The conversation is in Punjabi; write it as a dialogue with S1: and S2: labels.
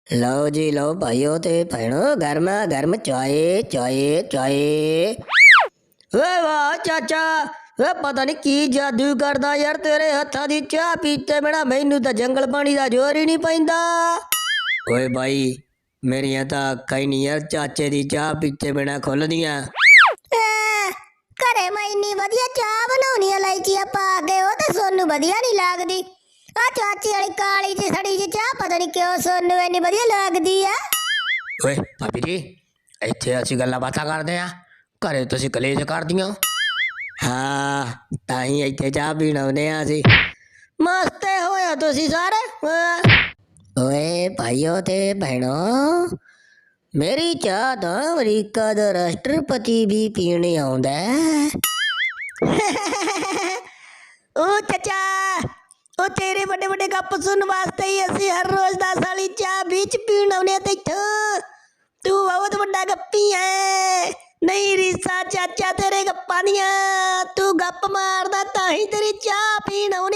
S1: लो जी लो भाइयों ते भैनों गर्मा गर्म चाय चाय चाय। वे वाह चाचा, वे पता नहीं की जादू करदा यार तेरे हत्था दी चाह पीते बिना मैनू तां जंगल पानी दा जोर ही नहीं पैंदा। ओए भाई मेरियां तां अक्खां ही नहीं यार चाचे दी चाह पीते बिना खुलदियां।
S2: ਘਰੇ ਮੈਂ ਇੰਨੀ ਵਧੀਆ ਚਾਹ ਬਣਾਉਣੀ ਆ ਇਲਾਇਚੀਆਂ ਪਾ ਕੇ ਉਹ ਤਾਂ ਸੋਨੂੰ ਵਧੀਆ ਨਹੀਂ ਲੱਗਦੀ। ਆ ਚਾਚੀ ਵਾਲੀ ਕਾਲੀ ਜਿਹੀ ਸੜੀ ਜਿਹੀ ਚਾਹ ਪਤਾ ਨਹੀਂ ਕਿਉਂ ਸੋਨੂੰ ਇੰਨੀ ਵਧੀਆ ਲੱਗਦੀ ਆ।
S1: ਓਏ ਭਾਬੀ ਜੀ ਇੱਥੇ ਅਸੀਂ ਗੱਲਾਂ ਬਾਤਾਂ ਕਰਦੇ ਆ, ਘਰੇ ਤੁਸੀਂ ਕਲੇਸ਼ ਕਰਦੀਆਂ। ਹਾਂ ਤਾਂ ਹੀ ਇੱਥੇ ਚਾਹ ਪੀਣ ਆਉਂਦੇ ਆ ਅਸੀਂ। ਮਸਤੇ ਹੋਇਆ ਤੁਸੀਂ ਸਾਰੇ। ਓਏ ਭਾਈਓ ਤੇ ਭੈਣੋ ਮੇਰੀ ਚਾਹ ਤਾਂ ਅਮਰੀਕਾ ਦਾ ਰਾਸ਼ਟਰਪਤੀ ਵੀ ਪੀਣ ਆਉਂਦਾ। ਉਹ ਚਾਚਾ ਉਹ ਤੇਰੇ ਵੱਡੇ ਵੱਡੇ ਗੱਪ ਸੁਣਨ ਵਾਸਤੇ ਹੀ ਅਸੀਂ ਹਰ ਰੋਜ਼ 10 ਵਾਲੀ ਚਾਹ ਵਿੱਚ ਪੀਣ ਆਉਂਦੇ ਤੇ ਇੱਥੋਂ। ਤੂੰ ਬਹੁਤ ਵੱਡਾ ਗੱਪੀ ਐ। ਨਹੀਂ ਰੀਸਾ ਚਾਚਾ ਤੇਰੇ ਗੱਪਾਂ ਦੀਆਂ, ਤੂੰ ਗੱਪ ਮਾਰਦਾ ਤਾਂ ਹੀ ਤੇਰੀ ਚਾਹ ਪੀਣ ਆਉਂਦੇ।